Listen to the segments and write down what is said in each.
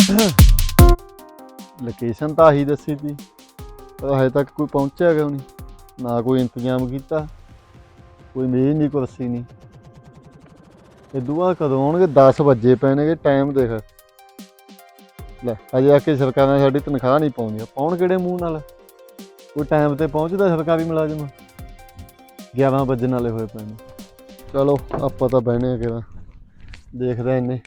Location ਤਾਂ ਆਹੀ ਦੱਸੀ ਤੀ, ਪਰ ਹਜੇ ਤੱਕ ਕੋਈ ਪਹੁੰਚਿਆ ਕਿਉਂ ਨਹੀਂ, ਨਾ ਕੋਈ ਇੰਤਜ਼ਾਮ ਕੀਤਾ, ਕੋਈ ਮੇਜ਼ ਨਹੀਂ ਕੁਰਸੀ ਨਹੀਂ। ਇਦੋਂ ਬਾਅਦ ਕਦੋਂ ਆਉਣਗੇ? 10 ਵਜੇ ਪੈਣਗੇ, ਟਾਈਮ ਦੇਖ ਲੈ। ਅਜੇ ਆ ਕੇ ਸਰਕਾਰਾਂ ਸਾਡੀ ਤਨਖਾਹ ਨਹੀਂ ਪਾਉਂਦੀਆਂ, ਪਾਉਣ ਕਿਹੜੇ ਮੂੰਹ ਨਾਲ? ਕੋਈ ਟਾਈਮ ਤੇ ਪਹੁੰਚਦਾ ਸਰਕਾਰੀ ਮੁਲਾਜ਼ਮ? 11 ਵੱਜਣ ਵਾਲੇ ਹੋਏ ਪਏ ਨੇ। ਚਲੋ ਆਪਾਂ ਤਾਂ ਬਹਿਣੇ ਆ ਕਿਹੜਾ, ਦੇਖਦੇ ਇੰਨੇ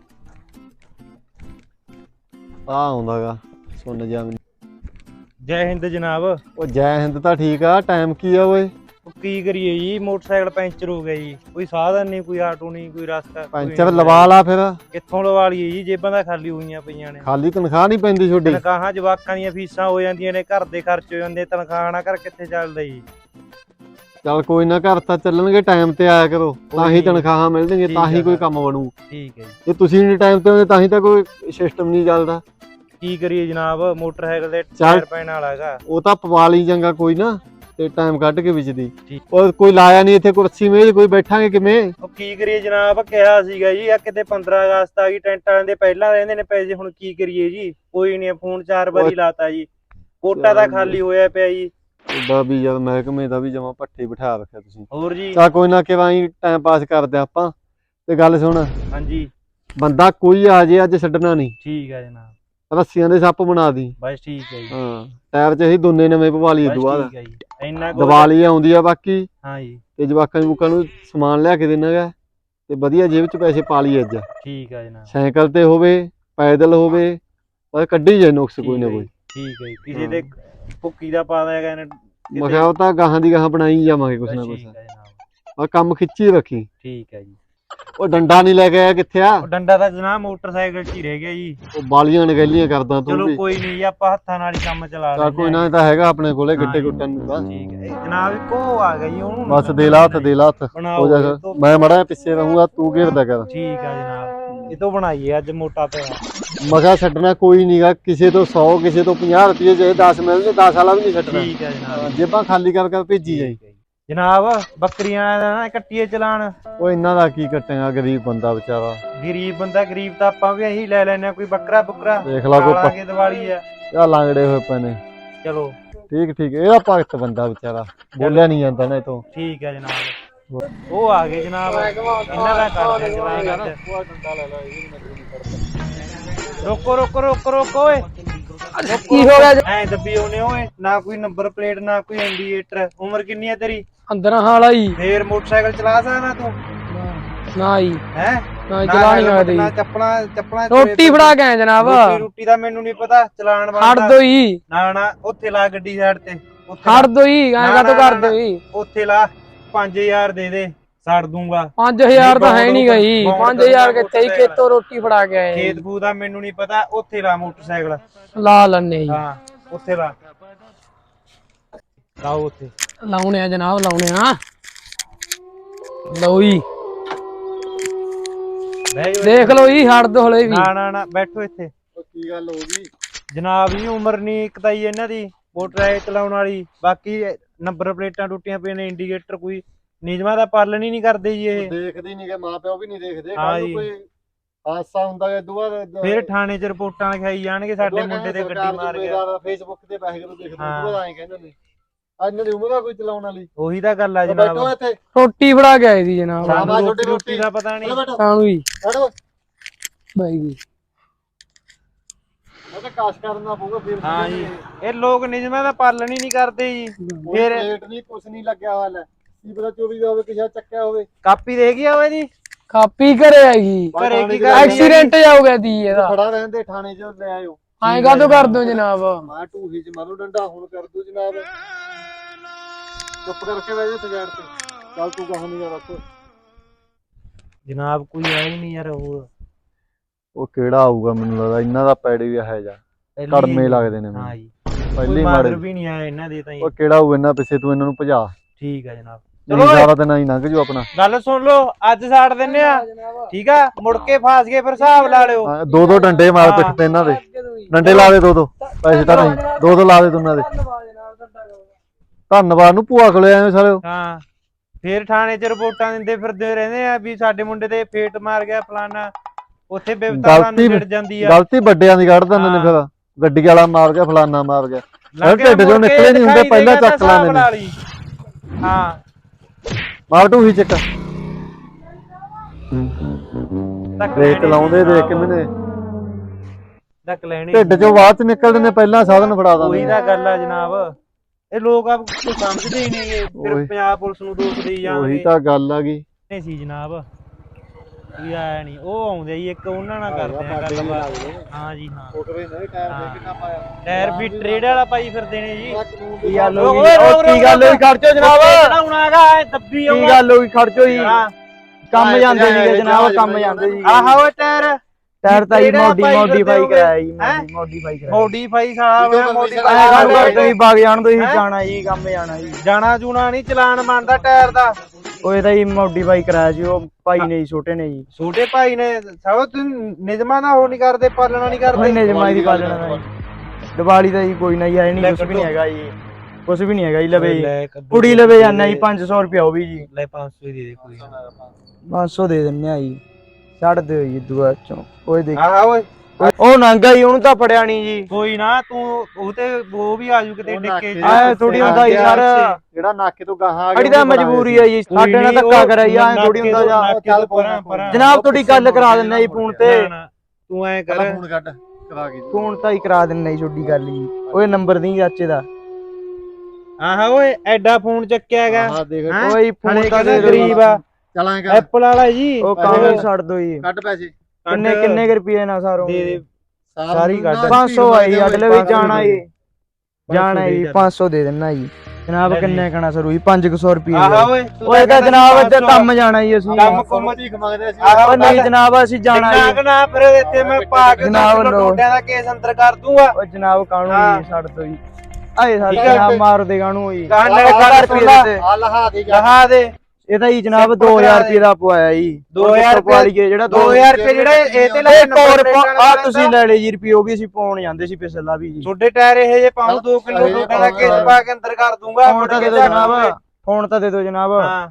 ਆ ਆਉਂਦਾ ਗਾ ਸੁਣ ਜਾ ਮੈਨੂੰ। ਜੈ ਹਿੰਦ ਜਨਾਬ। ਉਹ ਜੈ ਹਿੰਦ ਤਾਂ ਠੀਕ ਆ, ਟਾਈਮ ਕੀ ਆ ਓਏ? ਉਹ ਕੀ ਕਰੀਏ ਜੀ, ਮੋਟਰਸਾਈਕਲ ਪੈਂਚਰ ਹੋ ਗਿਆ ਜੀ, ਕੋਈ ਸਾਧਨ ਨਹੀਂ, ਕੋਈ ਆਟੋ ਨਹੀਂ, ਕੋਈ ਰਸਤਾ। ਪੈਂਚਰ ਲਵਾ ਲਾ ਫਿਰ। ਕਿੱਥੋਂ ਲਵਾ ਲਈਏ ਜੀ, ਜੇਬਾਂ ਤਾਂ ਖਾਲੀ ਹੋਈਆਂ ਪਈਆਂ ਨੇ। ਖਾਲੀ ਤਨਖਾਹ ਨਹੀਂ ਪੈਂਦੀ ਤੁਹਾਡੀ? ਤਨਖਾਹਾਂ ਜਵਾਕਾਂ ਦੀਆਂ ਫੀਸਾਂ ਹੋ ਜਾਂਦੀਆਂ ਨੇ, ਘਰ ਦੇ ਖਰਚ ਹੋ ਜਾਂਦੇ, ਤਨਖਾਹ ਨਾ ਘਰ ਕਿੱਥੇ ਚੱਲਦਾ ਜੀ। ਚੱਲ ਕੋਈ ਨਾ, ਘਰ ਤਾਂ ਚੱਲਣਗੇ, ਟਾਈਮ ਤੇ ਆਇਆ ਕਰੋ, ਤਾਂ ਹੀ ਤਨਖਾਹਾਂ ਮਿਲਣਗੀਆਂ, ਤਾਂ ਹੀ ਕੋਈ ਕੰਮ ਬਣੂ। ਠੀਕ ਹੈ ਜੀ। ਜੇ ਤੁਸੀਂ ਨਹੀਂ ਟਾਈਮ ਤੇ ਆਉਂਦੇ ਤਾਂ ਹੀ ਤਾਂ ਕੋਈ ਸਿਸਟਮ ਨਹੀਂ ਚੱਲਦਾ। ਕੀ ਕਰੀਏ ਜਨਾਬ, ਮੋਟਰਸਾਈਕਲ ਦੇ ਟਾਇਰ ਪੈਣ ਵਾਲਾ ਹੈਗਾ। ਉਹ ਤਾਂ ਪਵਾ ਲਈ ਚੰਗਾ ਕੋਈ ਨਾ, ਤੇ ਟਾਈਮ ਕੱਢ ਕੇ ਵਿੱਚ ਦੀ। ਠੀਕ। ਉਹ ਕੋਈ ਲਾਇਆ ਨਹੀਂ ਇੱਥੇ ਕੁਰਸੀ ਮੇਜ਼, ਕੋਈ ਬੈਠਾਂਗੇ ਕਿਵੇਂ? ਉਹ ਕੀ ਕਰੀਏ ਜਨਾਬ, ਕਿਹਾ ਸੀਗਾ ਜੀ ਆ ਕਿਤੇ 15 ਅਗਸਤ ਆ ਗਈ, ਟੈਂਟ ਵਾਲਿਆਂ ਦੇ ਪਹਿਲਾਂ ਰਹਿੰਦੇ ਨੇ ਪੈਸੇ, ਹੁਣ ਕੀ ਕਰੀਏ ਜੀ? ਕੋਈ ਨਹੀਂ, ਫੋਨ 4 ਵਾਰੀ ਲਾਤਾ ਜੀ, ਕੋਟਾ ਤਾਂ ਖਾਲੀ ਹੋਇਆ ਪਿਆ ਜੀ। ਉਹਦਾ ਵੀ ਯਾਰ ਮਹਿਕਮੇ ਦਾ ਵੀ ਜਮਾ ਪੱਠੇ ਬਿਠਾ ਰੱਖਿਆ ਤੁਸੀਂ। ਹੋਰ ਜੀ? ਚਾ ਕੋਈ ਨਾ, ਕਿਵੇਂ ਟਾਈਮ ਪਾਸ ਕਰਦੇ ਆਪਾਂ। ਤੇ ਗੱਲ ਸੁਣ, ਹਾਂਜੀ ਬੰਦਾ ਕੋਈ ਆ ਜੇ ਅੱਜ ਛੱਡਣਾ ਨਹੀਂ। ਠੀਕ ਹੈ ਜਨਾਬ। ਰੱਸੀਆਂ ਦੇ ਸੱਪ ਬਣਾ ਦੀ। ਬਸ ਠੀਕ ਹੈ ਜੀ। ਹਾਂ, ਟਾਇਰ 'ਚ ਅਸੀਂ ਦੋਨੇ ਨਵੇਂ ਪਵਾ ਲਈਏ ਬਸ ਦੁਬਾਰਾ। ਠੀਕ ਹੈ ਜੀ। ਇੰਨਾ ਦੀਵਾਲੀ ਆਉਂਦੀ ਆ ਬਾਕੀ। ਹਾਂ ਜੀ। ਤੇ ਜਵਾਕਾਂ ਨੂੰ ਸਮਾਨ ਲਿਆ ਕੇ ਦੇਣਾ ਗਾ, ਤੇ ਵਧੀਆ ਜੇਬ 'ਚ ਪੈਸੇ ਪਾ ਲਈ ਅੱਜ। ਠੀਕ ਹੈ ਜਨਾਬ। ਸਾਈਕਲ ਤੇ ਹੋਵੇ, ਪੈਦਲ ਹੋਵੇ, ਪਰ ਕੱਢੀ ਜਾਏ ਨੁਕਸ ਕੋਈ ਨਾ ਕੋਈ। ਠੀਕ ਹੈ ਜੀ। ਕਿਸੇ ਦੇ ਭੁੱਕੀ ਦਾ ਪਾ ਦਿਆ ਗਏ ਨੇ। ਮੈਂ ਕਿਹਾ ਉਹ ਤਾਂ ਗਾਹਾਂ ਦੀ ਗਾਹਾਂ ਬਣਾਈ ਜਾਵਾਂਗੇ ਕੁਛ ਨਾ ਕੁਛ। ਠੀਕ ਹੈ ਜਨਾਬ। ਆ ਕੰਮ ਖਿੱਚੀ ਰੱਖੀ। ਠੀਕ ਹੈ ਜੀ। ਉਹ ਡੰਡਾ ਨਹੀਂ ਲੈ ਕੇ ਆਇਆ, ਕਿੱਥੇ ਆ? ਉਹ ਡੰਡਾ ਤਾਂ ਜਨਾਬ ਮੋਟਰਸਾਈਕਲ 'ਚ ਹੀ ਰਹਿ ਗਿਆ ਜੀ। ਉਹ ਬਾਲੀਆਂ ਨਗੈਲੀਆਂ ਕਰਦਾ ਤੂੰ ਚਲੋ ਵੀ। ਕੋਈ ਨਹੀਂ ਜੀ, ਆਪਾਂ ਹੱਥਾਂ ਨਾਲ ਹੀ ਕੰਮ ਚਲਾ ਚੱਲ ਲੈਂਦੇ ਕੋਈ ਨਾ, ਇਹ ਤਾਂ ਹੈਗਾ ਆਪਣੇ ਕੋਲੇ ਗਿੱਟੇ ਗੁੱਟਣ ਨੂੰ ਤਾਂ। ਠੀਕ ਹੈ ਜਨਾਬ। ਇੱਕੋ ਆ ਗਿਆ ਜੀ, ਉਹਨੂੰ ਬਸ ਦੇ ਲਾ ਹੱਥ, ਦੇ ਲਾ ਹੱਥ। ਬਣਾਓ ਹੋ ਜਾ, ਮੈਂ ਮੜਾ ਪਿੱਛੇ ਰਹੂੰਗਾ, ਤੂੰ ਘੇਰਦਾ ਕਰ। ਠੀਕ ਹੈ ਜਨਾਬ। ਇਹ ਤੋਂ ਬਣਾਈਏ ਅੱਜ ਮੋਟਾ ਪਿਆ। ਮਗਾ ਛੱਡਣਾ ਕੋਈ ਨਹੀਂਗਾ, ਕਿਸੇ ਤੋਂ 100, ਕਿਸੇ ਤੋਂ 50 ਰੁਪਏ, ਜੇ 10 ਮਿਲਦੇ 10 ਵਾਲਾ ਵੀ ਨਹੀਂ ਛੱਡਣਾ। ਠੀਕ ਹੈ ਜਨਾਬ। ਜੇਬਾਂ ਖਾਲੀ ਕਰ ਕਰ ਭੇਜੀ ਜਾਈ। ਜਨਾਬ ਬੱਕਰੀਆਂ ਦਾ ਨਾ ਕੱਟੀਏ ਚਲਾਣ। ਉਹ ਇਹਨਾਂ ਦਾ ਕੀ ਕੱਟੇਗਾ, ਗਰੀਬ ਬੰਦਾ ਵਿਚਾਰਾ। ਗਰੀਬ ਬੰਦਾ, ਗਰੀਬ ਤਾਂ ਆਪਾਂ ਵੀ ਇਹੀ ਲੈ ਲੈਨੇ ਆ, ਕੋਈ ਬੱਕਰਾ ਬੁੱਕਰਾ ਦੇਖ ਲਾ ਕੋਈ ਦੀਵਾਲੀ ਆ। ਆ ਲਾਂਗੜੇ ਹੋਏ ਪਏ ਨੇ। ਚਲੋ ਠੀਕ ਠੀਕ, ਇਹਦਾ ਭਗਤ ਬੰਦਾ ਵਿਚਾਰਾ, ਬੋਲਿਆ ਨਹੀਂ ਜਾਂਦਾ ਨਾ ਇਹ ਤੋਂ। ਠੀਕ ਹੈ ਜਨਾਬ। ਉਹ ਆ ਗਏ ਜਨਾਬ, ਇਹਨਾਂ ਦਾ ਕਰਦੇ ਚਲਾਣ ਅੱਜ। ਰੋਕੋ ਰੋਕੋ ਰੋਕੋ ਰੋਕੋ ਓਏ। ਕੀ ਹੋ ਗਿਆ? ਐ ਦੱਬੀ ਆਉਨੇ ਓਏ, ਨਾ ਕੋਈ ਨੰਬਰ ਪਲੇਟ, ਨਾ ਕੋਈ ਇੰਡੀਕੇਟਰ। ਉਮਰ ਕਿੰਨੀ ਹੈ ਤੇਰੀ? 15 ਸਾਲ ਆਈ। ਫੇਰ ਮੋਟਰਸਾਈਕਲ ਚਲਾ ਸਕਦਾ ਤੂੰ? ਨਾ ਆਈ। ਹੈ ਨਾ ਚਲਾ ਨਹੀਂ ਸਕਦੀ। ਨਾ ਚੱਪਲਾਂ ਰੋਟੀ ਫੜਾ ਕੇ ਆਏ ਜਨਾਬ। ਰੋਟੀ ਦਾ ਮੈਨੂੰ ਨਹੀਂ ਪਤਾ, ਚਲਾਣ ਹਟ ਵਾਲਾ। ਦੋ ਹੀ। ਨਾ ਨਾ, ਉੱਥੇ ਲਾ ਗੱਡੀ ਸਾਈਡ ਤੇ। ਹਟ ਦੋ ਹੀ, ਐਂ ਕਾਹਤੋਂ ਕਰਦੇ ਹੋ ਜੀ? ਉੱਥੇ ਲਾ, 5000 ਦੇ ਦੇ, ਛੱਡ ਦੂੰਗਾ। 5000 ਤਾਂ ਹੈ ਨਹੀਂ ਗਈ। 5000 ਕਿੱਥੇ ਹੀ? ਖੇਤੋਂ ਰੋਟੀ ਫੜਾ ਕੇ ਆਏ। ਖੇਤ ਖੂ ਦਾ ਮੈਨੂੰ ਨਹੀਂ ਪਤਾ, ਉੱਥੇ ਲਾ ਮੋਟਰਸਾਈਕਲ। ਲਾ ਲੈਣੇ ਜੀ। ਹਾਂ ਉੱਥੇ ਲਾ, ਲਾਓ ਉੱਥੇ। ਲਾਉਣੇ ਆ ਜਨਾਬ, ਲਾਉਣੇ ਆ। ਲਓ ਜੀ, ਦੇਖ ਲਓ ਜੀ, ਹਟ ਦੋ ਹਲੇ ਵੀ। ਨਾ ਨਾ ਨਾ, ਬੈਠੋ ਇੱਥੇ। ਕੀ ਗੱਲ ਹੋ ਗਈ ਜਨਾਬ ਜੀ? ਉਮਰ ਨਹੀਂ ਇੱਕ ਤਾਂ ਹੀ ਇਹਨਾਂ ਦੀ ਮੋਟਰਸਾਈਕਲ ਚਲਾਉਣ ਵਾਲੀ, ਬਾਕੀ ਨੰਬਰ ਪਲੇਟਾਂ ਟੁੱਟੀਆਂ ਪਈਆਂ ਨੇ, ਇੰਡੀਕੇਟਰ ਕੋਈ ਨਿਯਮਾਂ ਦਾ ਪਾਲਣ ਹੀ ਨਹੀਂ ਕਰਦੇ ਜੀ ਇਹ। ਦੇਖਦੇ ਨਹੀਂ ਗੇ, ਮਾਂ ਪਿਓ ਵੀ ਨਹੀਂ ਦੇਖਦੇ। ਹਾਂ ਕੱਲ ਜੀ। ਕੋਈ ਹਾਦਸਾ ਹੁੰਦਾ ਹੈ ਦੁਆ ਫਿਰ ਥਾਣੇ 'ਚ ਰਿਪੋਰਟਾਂ ਲਿਖਾਈ ਜਾਣਗੇ, ਸਾਡੇ ਮੁੰਡੇ ਤੇ ਗੱਡੀ ਮਾਰ ਗਿਆ। ਫੇਸਬੁੱਕ ਤੇ ਪੈਸੇ ਨੂੰ ਦੇਖਦੇ ਦੁਆ ਐਂ ਕਹਿੰਦੇ ਨੇ। ਅੱਜ ਦੀ ਉਮਰ ਆ ਕੋਈ ਚਲਾਉਣ ਵਾਲੀ? ਉਹੀ ਤਾਂ ਗੱਲ ਆ ਬੈਠੋ ਜਨਾਬ। ਇੱਥੇ। ਰੋਟੀ ਫੜਾ ਕੇ ਆਏ ਸੀ ਜਨਾਬ। ਸਾਨੂੰ ਰੋਟੀ ਦਾ ਪਤਾ ਨਹੀਂ। ਸਾਨੂੰ ਵੀ ਬੈਠੋ। ਬਾਈ ਜੀ, ਮੈਂ ਤਾਂ ਕਾਸ਼ ਕਰਨਾ ਪਊਗਾ ਫਿਰ। ਹਾਂ ਜੀ, ਇਹ ਲੋਕ ਨਿਯਮਾਂ ਦਾ ਪਾਲਣ ਹੀ ਨਹੀਂ ਕਰਦੇ ਜੀ। ਫਿਰ ਪਲੇਟ ਨਹੀਂ, ਕੁਛ ਨਹੀਂ ਲੱਗਿਆ ਹੋਇਆ। ਲੈ ਕੀ ਪਤਾ 24 ਦਾ ਹੋਵੇ, ਕਿਸੇ ਚੱਕਿਆ ਹੋਵੇ। ਕਾਪੀ ਦੇਖ ਗਿਆ ਓਏ ਜੀ? ਕਾਪੀ ਘਰੇ ਆਈ। ਘਰੇ ਕੀ ਕਰਨੀ? ਐਕਸੀਡੈਂਟ ਜਾ ਹੋ ਗਿਆ ਦੀ ਇਹਦਾ। ਖੜਾ ਰਹਿੰਦੇ ਥਾਣੇ 'ਚ ਲੈ ਆਇਓ। ਐਂ ਕਾਹਤੋਂ ਕਰ ਦੋ ਜਨਾਬ? ਮੈਂ ਢੂਹੀ 'ਚ ਮਾਰੂ ਡੰਡਾ, ਹੁਣ ਕਰ ਦੂ ਜਨਾਬ। ਚੁੱਪ ਕਰਕੇ ਬਹਿ ਜਾ ਤੇ ਸਾਈਡ ਤੇ। ਚੱਲ ਤੂੰ ਕਹਾਂ ਨਹੀਂ ਰੱਖ। ਜਨਾਬ ਕੋਈ ਆਇਆ ਹੀ ਨਹੀਂ ਯਾਰ। ਉਹ ਕਿਹੜਾ ਆਊਗਾ? ਮੈਨੂੰ ਲੱਗਦਾ ਇਹਨਾਂ ਦਾ ਪੈੜੇ ਵੀ ਹੈ ਜਾ ਕੜਮੇ ਲੱਗਦੇ ਨੇ ਹਾਂ ਜੀ। ਪਹਿਲੀ ਮਾਰ ਮਾੜੇ ਵੀ ਨਹੀਂ ਆਇਆ ਇਹਨਾਂ ਦੇ ਤਾਂ। ਉਹ ਕਿਹੜਾ ਹੋਊ ਇਹਨਾਂ ਪਿੱਛੇ? ਤੂੰ ਇਹਨਾਂ ਨੂੰ ਭਜਾ। ਠੀਕ ਹੈ ਜਨਾਬ। ਚਲੋ ਸਾਰਾ ਦਿਨ ਆਈ ਲੰਘ ਜੂ ਆਪਣਾ। ਗੱਲ ਸੁਣ ਲਓ, ਅੱਜ ਛੱਡ ਦਿੰਨੇ ਆ, ਠੀਕ ਆ? ਮੁੜ ਕੇ ਫਸ ਗਏ ਫਿਰ ਹਿਸਾਬ ਲਾ ਲਿਓ। ਦੋ ਦੋ ਡੰਡੇ ਮਾਰ ਪਿੱਠ ਤੇ ਇਹਨਾਂ ਦੇ। ਡੰਡੇ ਲਾ ਦੇ ਦੋ ਦੋ, ਪੈਸੇ ਤਾਂ ਨਹੀਂ। ਦੋ ਦੋ ਲਾ ਦੇ ਦੋਨਾਂ ਦੇ। ਧੰਨਵਾਦ ਨੂੰ ਭੂਆ ਕੋਲੇ ਆਏ ਸਾਰੇ। ਹਾਂ ਫਿਰ ਥਾਣੇ 'ਚ ਰਿਪੋਰਟਾਂ ਦਿੰਦੇ ਫਿਰਦੇ ਰਹਿੰਦੇ ਆ ਵੀ ਸਾਡੇ ਮੁੰਡੇ ਤੇ ਫੇਟ ਮਾਰ ਗਿਆ, ਫਲਾਨਾ। ਉੱਥੇ ਬੇਵਤਾਰਾਂ ਨੂੰ ਛਿੜ ਜਾਂਦੀ ਆ। ਗਲਤੀ ਵੱਡਿਆਂ ਦੀ ਕੱਢ ਦਿੰਦੇ ਨੇ ਫਿਰ, ਗੱਡੀ ਵਾਲਾ ਮਾਰ ਗਿਆ ਫਲਾਨਾ ਮਾਰ ਗਿਆ, ਢਿੱਡ ਚੋਂ ਨਿਕਲੇ ਨਹੀਂ ਹੁੰਦੇ ਪਹਿਲਾਂ ਚੱਕ ਲਾਂਦੇ ਨੇ। ਹਾਂ ਮਾਰ ਢੂਹੀ ਚੱਕ ਦੇਖ ਚਲਾਉਂਦੇ ਦੇਖ ਕੇ ਮੈਨੇ ਡੱਕ ਲੈਣੀ ਢਿੱਡ ਚੋਂ ਬਾਅਦ ਚ ਨਿਕਲਦੇ ਨੇ ਪਹਿਲਾਂ ਸਾਧਨ ਫੜਾ ਦਿੰਦੇ। ਉਹੀ ਤਾਂ ਗੱਲ ਆ ਜਨਾਬ, ਇਹ ਲੋਕ ਆ ਕੋਈ ਸਮਝਦੇ ਹੀ ਨਹੀਂਗੇ, ਫਿਰ ਪੰਜਾਬ ਪੁਲਿਸ ਨੂੰ ਦੋਸ਼ ਦੇਈ ਜਾਂਦੇ। ਉਹੀ ਤਾਂ ਗੱਲ ਆ ਗਈ। ਨਹੀਂ ਸੀ ਜਨਾਬ, ਵੀ ਆਇਆ ਨਹੀਂ, ਉਹ ਆਉਂਦੇ ਜੀ ਇੱਕ ਉਹਨਾਂ ਨਾਲ ਕਰਦੇ ਆ ਗੱਲਬਾਤ। ਹਾਂ ਜੀ ਹਾਂ, ਟਾਇਰ ਵੀ ਟਰੇਡ ਵਾਲਾ ਪਾਈ ਫਿਰਦੇ ਨੇ ਜੀ। ਕੀ ਗੱਲ ਹੋ ਗਈ? ਕੀ ਗੱਲ ਹੋਈ? ਖਰਚੋ ਜਨਾਬ, ਦੱਬੀ ਕੀ ਗੱਲ ਹੋ ਗਈ? ਖਰਚੋ ਜੀ, ਕੰਮ ਜਾਂਦੇ ਸੀਗੇ ਜਨਾਬ, ਕੰਮ ਜਾਂਦੇ ਸੀ। ਆਹ ਓਏ ਟਾਇਰ ਤਾਂ ਹੀ ਮੋਡੀਫਾਈ ਕਰਾਇਆ ਜੀ, ਮੋਡੀਫਾਈ ਕਰਾਇਆ। ਮੋਡੀਫਾਈ ਸਾਲਾ ਮੋਡੀਫਾਈ ਤੁਸੀਂ ਬਾਗ ਜਾਣ ਦੋ, ਤੁਸੀਂ ਜਾਣਾ ਜੀ, ਕੰਮ ਜਾਣਾ ਜੀ। ਜਾਣਾ ਜੂਣਾ ਨਹੀਂ, ਚਲਾਨ ਬਣਦਾ ਟਾਇਰ ਦਾ। ਉਹ ਇਹਦਾ ਹੀ ਮੋਡੀਫਾਈ ਕਰਾਇਆ ਜੀ, ਉਹ ਭਾਈ ਨੇ ਜੀ, ਛੋਟੇ ਨੇ ਜੀ। ਛੋਟੇ ਭਾਈ ਨੇ ਸਭ ਤੁਸੀਂ ਨਿਯਮਾਂ ਦਾ ਉਹ ਨਹੀਂ ਕਰਦੇ, ਪਾਲਣਾ ਨਹੀਂ ਕਰਦੇ। ਨਿਯਮਾਂ ਦੀ ਪਾਲਣਾ ਦਾ ਜੀ। ਦੀਵਾਲੀ ਦਾ ਜੀ ਕੋਈ ਨਾ ਜੀ, ਆਏ ਨਹੀਂ, ਕੁਛ ਵੀ ਨਹੀਂ ਹੈਗਾ ਜੀ, ਕੁਛ ਵੀ ਨਹੀਂ ਹੈਗਾ ਜੀ। ਲਵੇ ਜੀ ਕੁੜੀ ਲਵੇ ਜਾਨਾ ਜੀ, 500 ਰੁਪਇਆ ਉਹ ਵੀ ਜੀ। ਲੈ 500 ਹੀ ਦੇ ਦੇ ਕੋਈ 500 ਦੇ ਦਿੰਨੇ ਆ ਜੀ, ਛੱਡ ਦਿਓ ਜੀ ਦੁਆ ਚੋਂ। ਓਏ ਦੇਖ ਆਹ ਓਏ ਉਹ ਨੰਗਾ ਜੀ, ਉਹਨੂੰ ਤਾਂ ਫੜਿਆ ਨਹੀਂ ਜੀ। ਕੋਈ ਨਾ, ਤੂੰ ਉਹ ਤੇ ਉਹ ਵੀ ਆਜੂ ਕਿਤੇ ਡਿੱਕੇ ਆਏ ਥੋੜੀ ਹੁੰਦਾ ਜੀ ਸਰ, ਜਿਹੜਾ ਨਾਕੇ ਤੋਂ ਗਾਹਾਂ ਆ ਅੜੀ ਤਾਂ ਮਜਬੂਰੀ ਹੈ ਜੀ, ਸਾਡੇ ਨਾਲ ਧੱਕਾ ਕਰਿਆ ਜੀ, ਐ ਥੋੜੀ ਹੁੰਦਾ ਜਾ। ਜਨਾਬ ਤੁਹਾਡੀ ਗੱਲ ਕਰਾ ਦਿੰਨੇ ਜੀ ਫੋਨ ਤੇ। ਤੂੰ ਐ ਕਰ, ਫੋਨ ਕੱਢ ਕਰਾ ਕੇ ਫੋਨ ਤਾਂ ਹੀ ਕਰਾ ਦਿੰਨੇ ਜੀ, ਛੋਡੀ ਗੱਲ ਜੀ। ਓਏ ਨੰਬਰ ਦੀ ਚਾਚੇ ਦਾ। ਆਹ ਓਏ ਐਡਾ ਫੋਨ ਚੱਕਿਆ ਹੈਗਾ। ਹਾਂ ਦੇਖ ਓਏ ਫੋਨ ਤਾਂ ਦੇ ਗਰੀਬ ਆ, ਚਲਾਂ ਕਰ ਐਪਲ ਵਾਲਾ ਜੀ। ਉਹ ਕੰਮ ਛੱਡ ਦੋ ਜੀ। ਕੱਢ ਪੈਸੇ ਕਿੰਨੇ ਰੁਪਏ ਨਾਲ ਸਾਰੋ ਦੇ ਦੇ ਸਾਰੀ ਕੱਢ। 500 ਆਈ ਅਗਲੇ ਵੀ ਜਾਣਾ ਜੀ, ਜਾਣਾ ਜੀ। 500 ਦੇ ਦੇਣਾ ਜੀ ਜਨਾਬ। ਕਿੰਨੇ ਕਹਣਾ ਸਰੂ ਜੀ? 500 ਰੁਪਏ। ਆਹ ਓਏ ਓਏ ਤਾਂ ਜਨਾਬ ਅੱਜ ਕੰਮ ਜਾਣਾ ਜੀ ਅਸੀਂ। ਕੰਮ ਕੁੰਮ ਭੀਖ ਮੰਗਦੇ ਸੀ। ਓ ਨਹੀਂ ਜਨਾਬ, ਅਸੀਂ ਜਾਣਾ ਜੀ। ਨਾ ਫਿਰ ਇੱਥੇ ਮੈਂ ਪਾ ਕੇ ਡੋਡਿਆਂ ਦਾ ਕੇਸ ਅੰਦਰ ਕਰ ਦੂੰਗਾ। ਓ ਜਨਾਬ ਕਾਣੂ ਜੀ ਛੱਡ ਦੋ ਜੀ। ਆਏ ਸਾਡੇ ਜਨਾਬ ਮਾਰ ਦੇ ਕਾਣੂ ਜੀ। ਲੈ 1000 ਰੁਪਏ ਦੇ ਆ ਲਹਾ ਦੇ ਲਹਾ ਦੇ। ਇਹਦਾ ਜੀ ਜਨਾਬ 2000 ਰੁਪਏ ਦਾ ਪਵਾਇਆ ਜੀ। 2000 ਰੁਪਏ ਜਿਹੜਾ 2000 ਰੁਪਏ ਜਿਹੜਾ ਇਹ ਤੇ ਲੈ ਆ ਤੁਸੀਂ ਲੈ ਲੈ ਜੀ ਰੁਪਏ, ਉਹ ਵੀ ਅਸੀਂ ਪਾਉਣ ਜਾਂਦੇ ਸੀ ਪਿਛਲਾ ਵੀ ਜੀ। ਛੋਡੇ ਟਾਇਰ ਇਹ ਜੇ ਪਾਉ 2 ਕਿਲੋ ਡੋਡਿਆਂ ਦਾ ਕੇਸ ਪਾ ਕੇ ਅੰਦਰ ਕਰ ਦੂੰਗਾ। ਫੋਨ ਤਾਂ ਦੇ ਦਿਓ ਜਨਾਬ, ਫੋਨ ਤਾਂ ਦੇ ਦਿਓ ਜਨਾਬ। ਹਾਂ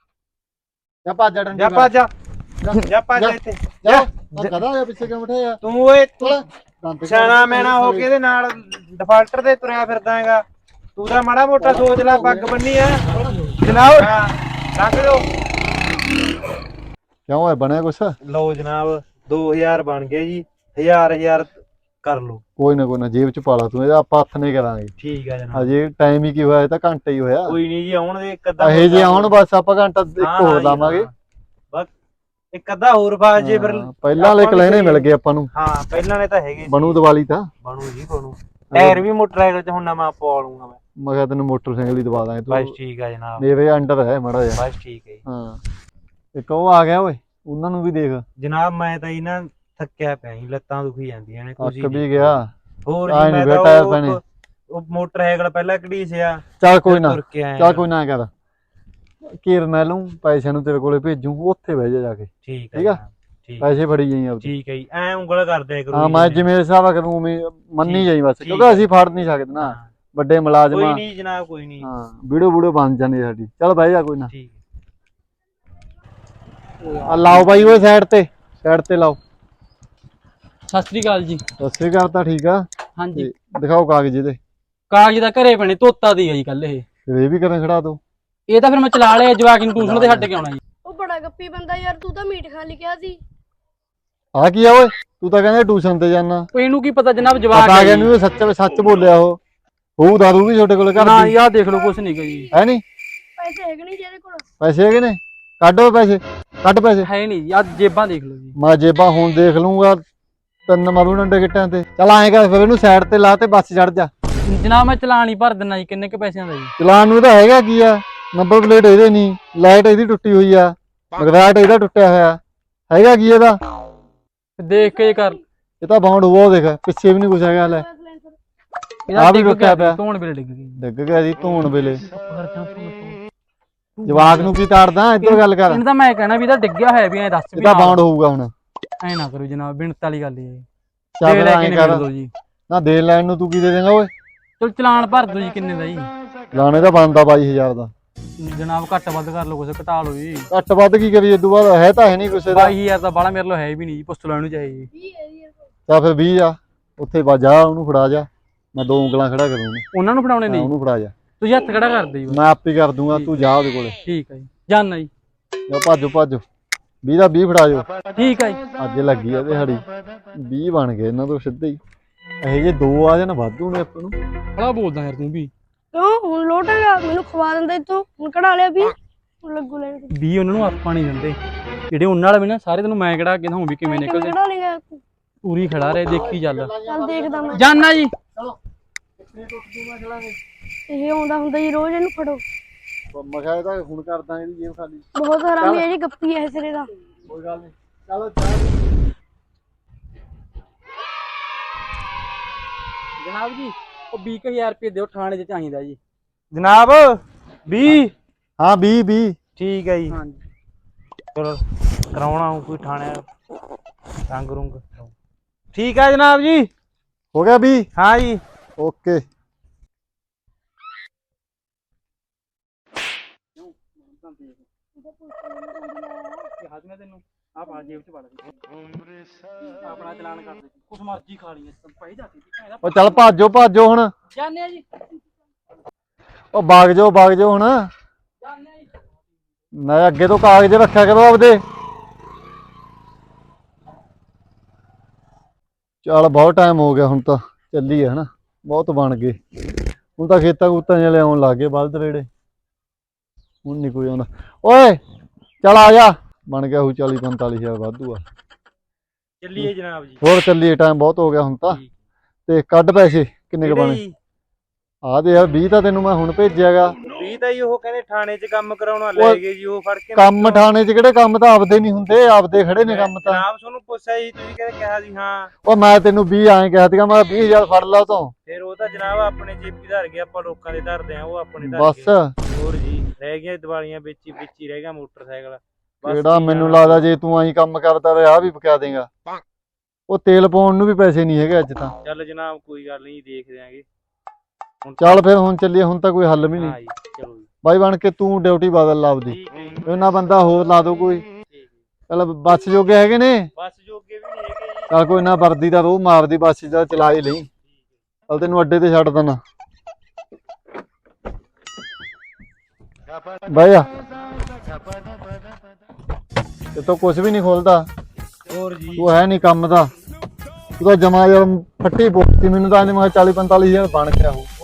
ਜਾ ਭੱਜ ਡੰਡੀ ਜਾ ਭੱਜ ਜਾ ਭੱਜ ਇੱਥੇ ਜਾ ਕਦਾ ਆ ਪਿੱਛੇ ਕਿਉਂ ਬਿਠਾਇਆ ਤੂੰ ਓਏ ਸਿਆਣਾ ਮੈਣਾ ਹੋ ਕੇ ਇਹਦੇ ਨਾਲ ਡਿਫਾਲਟਰ ਤੇ ਤੁਰਿਆ ਫਿਰਦਾ ਹੈਗਾ। ਤੂੰ ਤਾਂ ਮਾੜਾ ਮੋਟਾ ਸੋਚ ਲੈ, ਪੱਗ ਬੰਨੀ ਆ ਜਨਾਬ। ਰੱਖ ਦਿਓ। ਕਿਉਂ ਹੈ ਬਣਿਆ ਕੁਛ? ਲਓ ਜਨਾਬ 2000 ਬਣ ਗਏ ਜੀ। 1000 ਕਰ ਲਓ। ਕੋਈ ਨਾ ਜੇਬ ਚ ਪਾ ਲਾ ਤੂੰ, ਇਹਦਾ ਆਪਾਂ ਹੱਥ ਨਹੀਂ ਕਰਾਂਗੇ। ਠੀਕ ਆ ਜਨਾਬ। ਹਜੇ ਟਾਈਮ ਹੀ ਕੀ ਹੋਇਆ, ਇਹ ਤਾਂ ਘੰਟਾ ਹੀ ਹੋਇਆ। ਕੋਈ ਨਹੀਂ ਜੀ, ਆਉਣ ਦੇ ਇੱਕ ਅੱਧਾ ਇਹ ਜੇ ਆਉਣ ਬਸ ਆਪਾਂ ਘੰਟਾ ਇੱਕ ਹੋਰ ਲਾਵਾਂਗੇ। ਬਸ ਇੱਕ ਅੱਧਾ ਹੋਰ ਫਾਸ ਜੇ ਫਿਰ। ਪਹਿਲਾਂ ਵਾਲੇ ਕਲੈਣੇ ਮਿਲ ਗਏ ਆਪਾਂ ਨੂੰ। ਹਾਂ ਪਹਿਲਾਂ ਨੇ ਤਾਂ ਹੈਗੇ ਬਣੂ ਦੀਵਾਲੀ ਤਾਂ ਬਣੂ ਜੀ ਬਣੂ। ਟਾਇਰ ਵੀ ਮੋਟਰਸਾਈਕਲ ਚ ਹੁਣ ਨਵਾਂ ਪਵਾ ਲੂੰਗਾ ਮੈਂ ਕਿਹਾ ਤੈਨੂੰ ਮੋਟਰਸਾਈਕਲ ਹੀ ਦਵਾ ਦਾਂਗੇ ਤੂੰ। ਬਸ ਠੀਕ ਆ ਜਨਾਬ, ਮੇਰੇ ਅੰਡਰ ਹੈ ਮਾੜਾ ਜਿਹਾ। ਬਸ ਠੀਕ ਹੈ ਜੀ। ਹਾਂ ਇੱਕ ਉਹ ਆ ਗਿਆ ਓਏ, ਉਹਨਾਂ ਨੂੰ ਵੀ ਦੇਖ। ਜਨਾਬ ਮੈਂ ਤਾਂ ਇਹਨਾਂ ਥੱਕਿਆ ਪਿਆ ਜੀ, ਲੱਤਾਂ ਦੁਖੀ ਜਾਂਦੀਆਂ ਨੇ। ਅੱਕ ਵੀ ਗਿਆ ਹੋਰ ਆਏ ਜੀ ਮੈਂ ਨੀ ਤਾਂ ਟਾਇਰ ਪੈਣੇ। ਉਹ ਮੋਟਰਸਾਈਕਲ ਪਹਿਲਾਂ ਘੜੀਸਿਆ। ਚੱਲ ਕੋਈ ਨਾ, ਤੁਰ ਕੇ ਆਇਆ। ਚੱਲ ਕੋਈ ਨਾ ਐਂ ਕਰ, ਕੀਰ ਮੈਂ ਲਊਂ ਪੈਸਿਆਂ ਨੂੰ ਤੇਰੇ ਕੋਲੇ ਭੇਜੂ, ਉੱਥੇ ਬਹਿ ਜਾ ਕੇ। ਠੀਕ ਠੀਕ ਆ, ਠੀਕ ਪੈਸੇ ਫੜੀ ਜਾਈ ਆਪਦੇ। ਠੀਕ ਹੈ ਜੀ, ਐ ਉਂਗਲ ਕਰਦੇ ਕਰੋ। ਹਾਂ ਮੈਂ ਜਿਵੇਂ ਹਿਸਾਬ ਕਰੂੰ ਉਵੇਂ ਮੰਨੀ ਜਾਈ ਬਸ, ਕਿਉਂਕਿ ਅਸੀਂ ਫੜ ਨਹੀਂ ਸਕਦੇ ਨਾ ਵੱਡੇ ਕੋਈ ਮੁਲਾਜ਼ਮ। ਨਹੀਂ ਜਨਾਬ ਕੋਈ ਨਹੀਂ। ਹਾਂ ਵੀਡੀਓ ਵੀਡੀਓ ਬਣ ਜਾਂਦੀ ਸਾਡੀ। ਚੱਲ ਬਹਿ ਜਾ ਕੋਈ ਨਾ। ਠੀਕ ਆ ਲਾਓ ਬਾਈ ਓਏ ਸਾਈਡ ਤੇ ਲਾਓ। ਸਤਿ ਸ੍ਰੀ ਅਕਾਲ ਜੀ। ਸਸਰੀ ਘਰ ਤਾਂ ਠੀਕ ਆ। ਹਾਂਜੀ ਦਿਖਾਓ ਕਾਗਜ਼ ਇਹਦੇ। ਕਾਗਜ਼ ਤਾਂ ਘਰੇ ਪਣੇ, ਧੋਤਾ ਦੀ ਹੈ ਜੀ ਕੱਲ ਇਹ। ਫਿਰ ਇਹ ਵੀ ਕਰਨ ਖੜਾ ਦੋ। ਇਹ ਤਾਂ ਫਿਰ ਮੈਂ ਚਲਾ ਲਿਆ, ਜਵਾਕ ਨੂੰ ਟਿਊਸ਼ਨ ਤੇ ਛੱਡ ਕੇ ਆਉਣਾ ਜੀ। ਉਹ ਬੜਾ ਗੱਪੀ ਬੰਦਾ ਯਾਰ, ਤੂੰ ਤਾਂ ਮੀਟ ਖਾਣ ਲਿਖਿਆ ਸੀ। ਆ ਕੀ ਆ ਓਏ, ਤੂੰ ਤਾਂ ਕਹਿੰਦਾ ਟਿਊਸ਼ਨ ਤੇ ਜਾਣਾ। ਉਹ ਇਹਨੂੰ ਕੀ ਪਤਾ ਜਨਾਬ, ਜਵਾਕ ਆ ਗਿਆ ਨੂੰ ਸੱਚ ਬੋਲਿਆ ਉਹ। ਹੋਊ ਦਾਰੂ ਵੀ ਛੋਟੇ ਕੋਲੇ ਘਰ ਨਾ ਦੀ। ਯਾਰ ਦੇਖ ਲਓ ਕੁਛ ਨਹੀਂ ਗਈ ਹੈ ਨਹੀਂ ਪੈਸੇ ਹੈਗੇ ਨਹੀਂ ਜਿਹਦੇ ਕੋਲ। ਪੈਸੇ ਹੈਗੇ ਨੇ, ਕੱਢੋ ਪੈਸੇ, ਕੱਢ ਪੈਸੇ। ਹੈ ਨਹੀਂ ਯਾਰ, ਜੇਬਾਂ ਦੇਖ ਲਓ ਜੀ। ਮੈਂ ਜੇਬਾਂ ਹੁਣ ਦੇਖ ਲੂੰਗਾ, ਤਿੰਨ ਮਾਰੂ ਡੰਡੇ ਗਿੱਟਾਂ ਤੇ। ਚੱਲ ਐਂ ਕਰ ਫਿਰ ਇਹਨੂੰ ਸਾਈਡ ਤੇ ਲਾ ਤੇ ਬੱਸ ਚੜ ਜਾ। ਜਨਾਬ ਮੈਂ ਚਲਾਨ ਹੀ ਭਰ ਦਿੰਨਾ ਜੀ। ਕਿੰਨੇ ਕ ਪੈਸਿਆਂ ਦਾ ਜੀ? ਚਲਾਨ ਨੂੰ ਤਾਂ ਹੈਗਾ ਕੀ ਆ, ਨੰਬਰ ਪਲੇਟ ਇਹਦੇ ਨਹੀਂ, ਲਾਈਟ ਇਹਦੀ ਟੁੱਟੀ ਹੋਈ ਆ, ਮਗਰਾਟ ਇਹਦਾ ਟੁੱਟਿਆ ਹੋਇਆ। ਹੈਗਾ ਕੀ ਇਹਦਾ? ਦੇਖ ਕੇ ਕਰ। ਇਹ ਤਾਂ ਬਾਉਂਡ ਹੋਇਆ, ਦੇਖ ਪਿੱਛੇ ਵੀ ਨਹੀਂ ਕੁਛ ਹੈਗਾ। ਲੈ ਇਹਦਾ ਆ ਵੀ ਡਿੱਗ ਟੁੱਟਿਆ ਗਿਆ, ਪਿਆ। ਧੋਣ ਵੇਲੇ ਡਿੱਗ ਗਈ। ਡਿੱਗ ਗਿਆ ਜੀ ਧੋਣ ਵੇਲੇ। ਜਵਾਕ ਨੂੰ ਕੀ ਤਾੜਦਾ, ਇੱਧਰ ਗੱਲ ਕਰ। ਇਹਨੂੰ ਤਾਂ ਮੈਂ ਕਹਿਣਾ ਵੀ ਇਹਦਾ ਡਿੱਗਿਆ ਹੋਇਆ ਵੀ ਐ ਦੱਸ ਵੀ। ਇਹਦਾ ਬਾਉਂਡ ਹੋਊਗਾ ਹੁਣ। ਐ ਨਾ ਕਰੋ ਜਨਾਬ, ਬਿਨਤ ਵਾਲੀ ਗੱਲ ਹੈ। ਚੱਲ ਫਿਰ ਐਂ ਕਰ ਜੀ। ਨਾ, ਦੇਣ ਲੈਣ ਨੂੰ ਤੂੰ ਕੀ ਦੇ ਦੇਂਗਾ ਓਏ? ਚਲ ਚਲਾਨ ਭਰ ਦੋ ਜੀ। ਕਿੰਨੇ ਦਾ ਜੀ? ਲਾਣੇ ਦਾ ਬਣਦਾ 22000 ਦਾ। ਜਨਾਬ ਘੱਟ ਵੱਧ ਕਰ ਲਓ ਕੁਛ ਘਟਾ ਲਓ ਜੀ। ਘੱਟ ਵੱਧ ਕੀ ਕਰੀਏ ਇਦੋਂ ਬਾਅਦ ਹੈ ਤਾਂ ਹੈ ਨਹੀਂ ਕਿਸੇ ਦਾ 22000 ਤਾਂ ਬਾਲਾ ਮੇਰੇ ਲੋ ਹੈ ਵੀ ਨਹੀਂ ਜੀ, ਪੁੱਛ ਲੈਣ ਨੂੰ ਚਾਹੀਏ ਜੀ। 20 ਹੈ ਜੀ ਯਾਰ ਤਾਂ ਫਿਰ 20 ਆ ਉੱਥੇ ਜਾ ਉਹਨੂੰ ਫੜਾ ਜਾ, ਮੈਂ 2 ਉਂਗਲਾਂ ਖੜਾ ਕਰੂੰਗਾ ਉਹਨਾਂ ਨੂੰ ਫੜਾਉਣੇ ਨਹੀਂ, ਉਹਨੂੰ ਫੜਾ ਜਾ, ਤੁਸੀਂ ਹੱਥ ਖੜਾ ਕਰ ਦਿਓ ਜੀ। ਮੈਂ ਆਪੇ ਕਰ ਦੂੰਗਾ, ਤੂੰ ਜਾ ਉਹਦੇ ਕੋਲੇ। ਠੀਕ ਹੈ ਜੀ, ਜਾਨਾ ਜੀ। ਜਾ ਭੱਜੋ 20 ਦਾ 20 ਫੜਾ ਜਾਓ। ਠੀਕ ਹੈ ਜੀ। ਅੱਜ ਲੱਗੀ ਆ ਦਿਹਾੜੀ 20 ਬਣ ਗਏ ਇਹਨਾਂ ਤੋਂ ਸਿੱਧੇ ਹੀ। ਇਹ ਜੇ 2 ਆ ਜਾਣ ਵਾਧੂ ਨੇ ਆਪਾਂ ਨੂੰ। ਬੜਾ ਬੋਲਦਾ ਯਾਰ ਤੂੰ ਵੀ। ਕਿਉਂ ਹੁਣ ਲੋਟ ਹੈਗਾ, ਮੈਨੂੰ ਖਵਾ ਦਿੰਦਾ ਇੱਥੋਂ, ਹੁਣ ਕਢਾ ਲਿਆ ਵੀ ਹੁਣ ਲੱਗੂ ਲੈਣ ਤੇ। 20 ਉਹਨਾਂ ਨੂੰ ਆਪਾਂ ਨਹੀਂ ਦਿੰਦੇ, ਜਿਹੜੇ ਉਹਨਾਂ ਵਾਲੇ ਵੀ ਨਾ ਸਾਰੇ ਤੈਨੂੰ ਮੈਂ ਕਿਹੜਾ ਕਿਦਾਂ ਵੀ ਕਿਵੇਂ ਨਿਕਲਦੇ। ਕਢਾ ਲੇਗਾ, ਪੂਰੀ ਖੜਾ ਰਹੇ, ਦੇਖੀ ਚੱਲ। ਚੱਲ ਦੇਖਦਾ ਮੈਂ। ਜਾਨਾ ਜੀ। ਇਹ ਆਉਂਦਾ ਹੁੰਦਾ ਜੀ ਰੋਜ਼, ਇਹਨੂੰ ਫੜੋ। ਮੈਂ ਕਿਹਾ ਇਹਦਾ ਹੁਣ ਕਰਦਾ ਇਹਦੀ ਜੇਬ ਖਾਲੀ। ਬਹੁਤ ਹਰਾਮੀ ਹੈ ਜੀ, ਗੱਪੀ ਹੈ ਸਿਰੇ ਦਾ। ਕੋਈ ਗੱਲ ਨਹੀਂ, ਚਲੋ ਜਨਾਬ ਜੀ ਉਹ 20000 ਰੁਪਏ ਦਿਓ, ਥਾਣੇ 'ਚ ਚਾਹੀਦਾ ਜੀ। ਜਨਾਬ 20 ਹਾਂ 20 ਠੀਕ ਹੈ ਜੀ। ਹਾਂਜੀ ਚਲੋ ਕਰਾਉਣਾ ਹੂੰ ਕੋਈ ਥਾਣੇ ਰੰਗ ਰੁੰਗ। ਠੀਕ ਹੈ ਜਨਾਬ ਜੀ। ਹੋ ਗਿਆ 20। ਹਾਂ ਜੀ ਓਕੇ। ਤੈਨੂੰ ਆਪ ਆ ਜੇਬ 'ਚ ਵੜ ਦੇ, ਆਪਣਾ ਚਲਾਨ ਕਰ ਦੇ, ਕੁਛ ਮਰਜ਼ੀ ਖਾ ਲਈ ਪਈ ਜਾਂਦੀ ਸੀ। ਉਹ ਚੱਲ ਭਾਜੋ ਹੁਣ। ਜਾਨੇ ਆ ਜੀ। ਉਹ ਬਾਗ ਜਾਓ ਹੁਣ। ਜਾਨੇ ਆ ਜੀ। ਮੈਂ ਅੱਗੇ ਤੋਂ ਕਾਗਜ਼ ਰੱਖਿਆ ਕਰੋ ਆਪਦੇ। ਚੱਲ ਬਹੁਤ ਟਾਈਮ ਹੋ ਗਿਆ, ਹੁਣ ਤਾਂ ਚੱਲੀ ਹੈ ਹਨਾ, ਬਹੁਤ ਬਣ ਗਏ ਹੁਣ ਤਾਂ। ਖੇਤਾਂ ਖੂਤਾਂ ਜਿਹੇ ਆਉਣ ਲੱਗ ਗਏ ਬਲਦ ਰੇੜੇ, ਹੁਣ ਨਹੀਂ ਕੋਈ ਆਉਂਦਾ। ਓਏ ਚੱਲ ਆ ਜਾ, ਬਣ ਗਿਆ ਉਹ 40-45 ਵਾਧੂ ਆ। ਚੱਲੀਏ ਜਨਾਬ ਜੀ। ਹੋਰ ਚੱਲੀਏ, ਟਾਈਮ ਬਹੁਤ ਹੋ ਗਿਆ ਹੁਣ ਤਾਂ। ਤੇ ਕੱਢ ਪੈਸੇ ਕਿੰਨੇ ਕੁ ਬਣੇ? ਆ ਦੇ ਯਾਰ 20 ਤਾਂ ਤੈਨੂੰ ਮੈਂ ਹੁਣ ਭੇਜਿਆਗਾ। 20 ਤਾਂ ਜੀ ਉਹ ਕਹਿੰਦੇ ਥਾਣੇ 'ਚ ਕੰਮ ਕਰਾਉਣਾ ਲੈ ਗਏ ਜੀ, ਉਹ ਫੜ ਕੇ। ਕੰਮ ਥਾਣੇ 'ਚ ਕਿਹੜੇ ਕੰਮ ਤਾਂ ਆਪਦੇ ਨਹੀਂ ਹੁੰਦੇ, ਆਪਦੇ ਖੜੇ ਨੇ ਕੰਮ ਤਾਂ। ਜਨਾਬ ਤੁਹਾਨੂੰ ਪੁੱਛਿਆ ਜੀ, ਤੁਸੀਂ ਕਹਿੰਦੇ ਕਿਹਾ ਸੀ ਹਾਂ। ਉਹ ਮੈਂ ਤੈਨੂੰ 20 ਐਂ ਕਿਹਾ ਸੀਗਾ, ਮੈਂ 20000 ਫੜ ਲਾ ਤੋਂ। ਫਿਰ ਉਹ ਤਾਂ ਜਨਾਬ ਆਪਣੇ ਜੇਬੀ ਧਰ ਗਏ, ਆਪਾਂ ਲੋਕਾਂ ਦੇ ਧਰਦੇ ਆ, ਉਹ ਆਪਣੇ ਧਰ ਬਸ ਗਏ। ਹੋਰ ਜੀ ਰਹਿ ਗਈਆਂ ਦੀਵਾਲੀਆਂ ਵਿੱਚ ਹੀ ਰਹਿ ਗਿਆ ਮੋਟਰਸਾਈਕਲ। ਬਸ ਕਿਹੜਾ ਜੀ ਮੈਨੂੰ ਜਨਾਬ। ਲੱਗਦਾ ਜੇ ਤੂੰ ਐਂ ਕੰਮ ਕਰਦਾ ਰਿਹਾ ਵੀ ਪਕਾ ਦੇਗਾ। ਉਹ ਤੇਲ ਪਾਉਣ ਨੂੰ ਵੀ ਪੈਸੇ ਨਹੀਂ ਹੈਗੇ ਅੱਜ ਤਾਂ। ਚੱਲ ਜਨਾਬ ਕੋਈ ਗੱਲ ਨਹੀਂ, ਦੇਖ ਦਿਆਂਗੇ ਹੁਣ। ਚੱਲ ਫਿਰ ਹੁਣ ਚੱਲੀਏ, ਹੁਣ ਤਾਂ ਕੋਈ ਹੱਲ ਵੀ ਹਾਂ ਨਹੀਂ। ਜੀ ਚਲੋ ਜੀ। ਬਾਈ ਬਣ ਕੇ ਤੂੰ ਡਿਊਟੀ ਬਦਲ ਲਾ ਆਪਦੀ, ਠੀਕ ਹੈ ਜੀ, ਉਹਨਾਂ ਬੰਦਾ ਹੋਰ ਲਾ ਦੋ ਕੋਈ। ਠੀਕ ਹੈ। ਚੱਲ ਬੱਸ ਜੋਗੇ ਹੈਗੇ ਨੇ, ਬੱਸ ਜੋਗੇ ਵੀ ਨਹੀਂ ਹੈਗੇ ਜੀ। ਚੱਲ ਕੋਈ ਨਾ, ਵਰਦੀ ਦਾ ਰੋਹ ਮਾਰਦੀ ਬੱਸ ਦਾ ਚਲਾ ਹੀ ਲਈ। ਚੱਲ ਤੈਨੂੰ ਅੱਡੇ ਤੇ ਛੱਡ ਦੇਣਾ। ਬਾਈ ਆ ਤੇ ਤੋ ਕੁਝ ਵੀ ਨਹੀਂ ਖੋਲਦਾ, ਹੋਰ ਜੀ ਤੂੰ ਹੈ ਨਹੀਂ ਕੰਮ ਦਾ। ਤੂੰ ਤਾਂ ਜਮਾ ਯਾਰ ਫੱਟੀ ਪੋਤੀ, ਮੈਨੂੰ ਤਾਂ ਇਹਨੇ ਮੈਂ 40-45 ਹਜ਼ਾਰ ਬਣ ਗਿਆ ਉਹ।